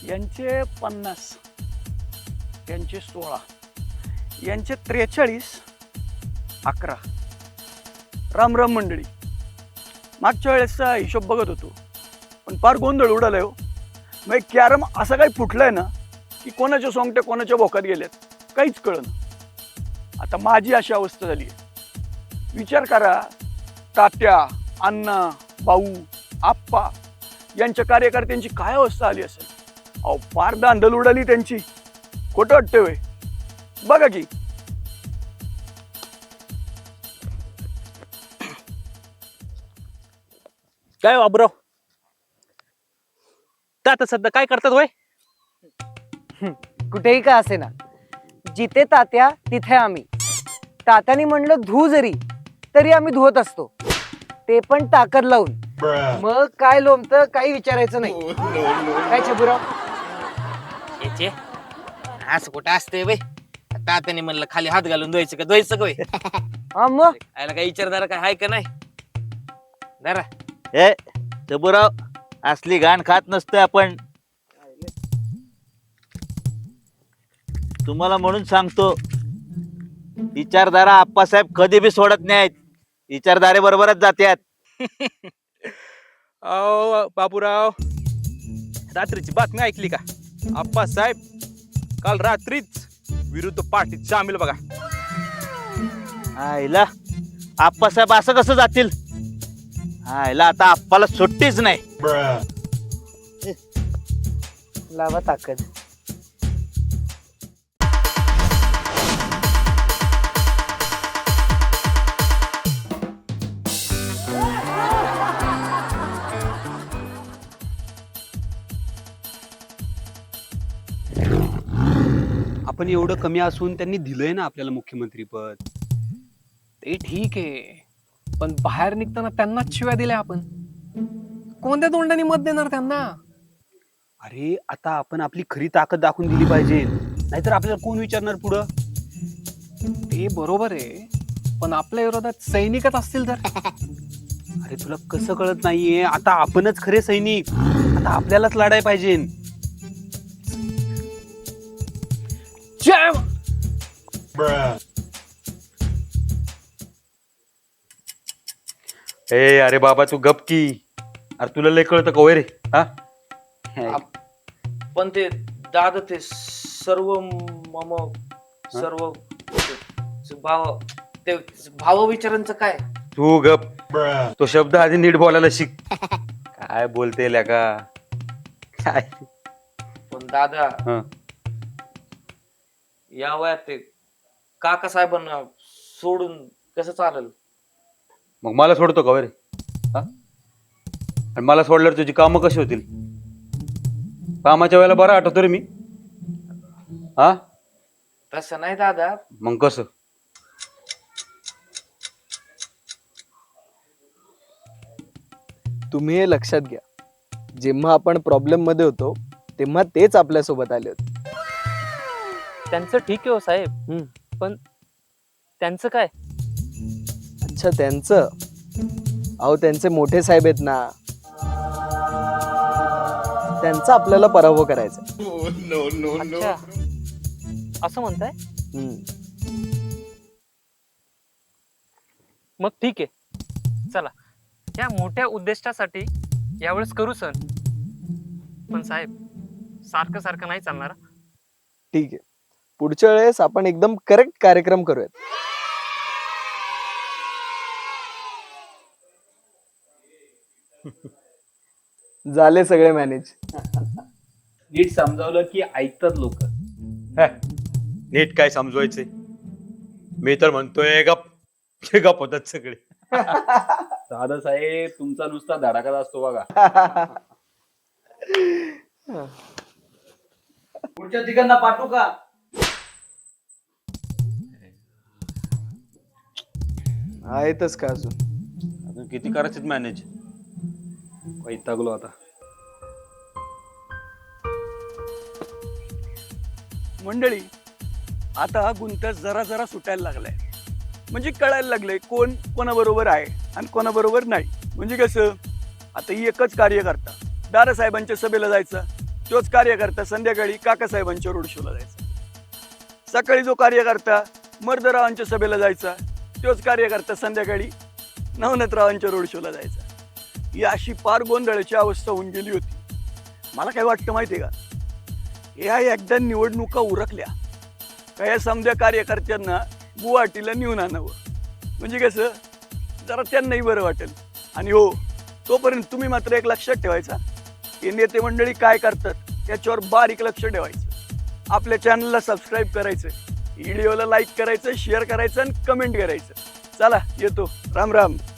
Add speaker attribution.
Speaker 1: यांचे 50, यांचे 16, यांचे 43, 11. राम राम मंडळी. मागच्या वेळेसचा हिशोब बघत होतो पण फार गोंधळ उडालाय हो. मग कॅरम असं काही फुटलंय ना की कोणाच्या सोंगट्या कोणाच्या भोकात गेल्यात काहीच कळलं. आता माझी अशी अवस्था झाली आहे. विचार करा, तात्या, अण्णा, भाऊ, आप्पा यांच्या कार्यकर्त्यांची काय अवस्था आली असेल. अहो फार दांदल उडाली त्यांची. खोटं वाटतंय होय? बघा की.
Speaker 2: काय बाबराव, का आता सध्या काय करतात होय?
Speaker 3: कुठेही का असे ना, जिथे तात्या तिथे आम्ही. तात्याने म्हणलं धू जरी तरी आम्ही धुवत असतो, ते पण ताकद लावून. मग काय लोमतं काही विचारायचं नाही. काय छबुराव?
Speaker 4: याचे असं कुठं असते बाई. तात्याने म्हणलं खाली हात घालून धुवायचं का धुवायचं का होय?
Speaker 3: हा मग
Speaker 4: आयला काय विचारदार काय हाय का नाही जरा.
Speaker 2: ए शंभूराव, असली घाण खात नसतोय आपण. तुम्हाला म्हणून सांगतो, विचारधारा आप्पासाहेब कधी बी सोडत नाहीत. विचारधारे बरोबरच जात्यात.
Speaker 5: अहो बाबूराव, रात्रीची बातमी ऐकली का? आप्पासाहेब काल रात्रीच विरुद्ध पार्टीत सामील बघा.
Speaker 2: आईला आप्पासाहेब असं कसं जातील? आईला आता आप्पाला सुट्टीच नाही.
Speaker 3: लावा ताकद.
Speaker 6: आपण एवढं कमी असून त्यांनी दिलंय ना आपल्याला मुख्यमंत्री पद.
Speaker 7: ते ठीक आहे, पण बाहेर निघताना त्यांनाच शिव्या दिल्या आपण. कोणत्या तोंडाने मत देणार त्यांना?
Speaker 6: अरे आता आपण आपली खरी ताकद दाखवून दिली पाहिजे, नाहीतर आपल्याला कोण विचारणार पुढं?
Speaker 7: ते बरोबर आहे, पण आपल्या विरोधात सैनिकच असतील तर?
Speaker 6: अरे तुला कसं कळत नाहीये? आता आपणच खरे सैनिक. आता आपल्यालाच लढायला पाहिजे.
Speaker 7: जय
Speaker 6: ए अरे बाबा तू गप की. अरे तुला लय कळतं का रे? हा
Speaker 4: पण ते दादा ते सर्व मम सर्व भाव ते भाव विचारांचं काय?
Speaker 6: तू गप. तो शब्द आधी नीट बोलायला शिक. काय बोलते का काय?
Speaker 4: पण दादा
Speaker 6: हं.
Speaker 4: या वयात ते काका साहेबांना सोडून कसं चालेल?
Speaker 6: मग मला सोडतो का रे? हा? आणि मला सोडल्यावर तुझी कामं कशी होतील? कामाच्या वेळेला बरं आठवतो रे मी. हा
Speaker 4: तसं नाही दादा.
Speaker 6: मग कसं?
Speaker 8: तुम्ही हे लक्षात घ्या, जेव्हा आपण प्रॉब्लेम मध्ये होतो तेव्हा तेच आपल्या सोबत आले होते.
Speaker 2: त्यांचं ठीक आहे हो साहेब, पण त्यांचं काय?
Speaker 8: अच्छा त्यांचं? अहो त्यांचे मोठे साहेब आहेत ना, त्यांचा आपल्याला पराभव करायचा.
Speaker 2: अच्छा, असं म्हणताय? मग ठीक आहे, चला या मोठ्या उद्दिष्टासाठी यावेळेस करू सण. पण साहेब सारखं सारखं नाही चालणार.
Speaker 8: ठीक आहे, पुढच्या वेळेस आपण एकदम करेक्ट कार्यक्रम करूयात. झाले सगळे मॅनेज.
Speaker 6: नीट समजावलं की ऐकतात लोक. नीट काय समजवायचे? मी तर म्हणतोय गप. गप होतात सगळे. दादासाहेब तुमचा नुसता धडाकाच असतो बघा.
Speaker 1: पुढच्या तिघांना पाठवू का?
Speaker 8: आहेतच का अजून?
Speaker 6: अजून किती करायचे मॅनेज? वैतागलो आता.
Speaker 1: मंडळी आता हा गुंत जरा जरा सुटायला लागलाय. म्हणजे कळायला लागलंय कोण कोणाबरोबर आहे आणि कोणाबरोबर नाही. म्हणजे कसं, आता ही एकच कार्यकर्ता दादासाहेबांच्या सभेला जायचा तोच कार्यकर्ता संध्याकाळी काकासाहेबांच्या रोड शोला जायचा. सकाळी जो कार्यकर्ता मर्दरावांच्या सभेला जायचा तोच कार्यकर्ता संध्याकाळी नवनाथरावांच्या रोड शोला जायचा. ही अशी पार गोंधळाची अवस्था होऊन गेली होती. मला काय वाटतं माहितीये का, या एकदा निवडणुका उरकल्या का या समध्या कार्यकर्त्यांना गुवाहाटीला नेऊन आणावं, म्हणजे कसं जरा त्यांनाही बरं वाटेल. आणि हो, तोपर्यंत तुम्ही मात्र एक लक्षात ठेवायचा, हे नेते मंडळी काय करतात त्याच्यावर बारीक लक्ष ठेवायचं. आपल्या चॅनलला सबस्क्राईब करायचं, व्हिडिओला लाईक करायचं, शेअर करायचं आणि कमेंट करायचं. चला येतो. राम राम.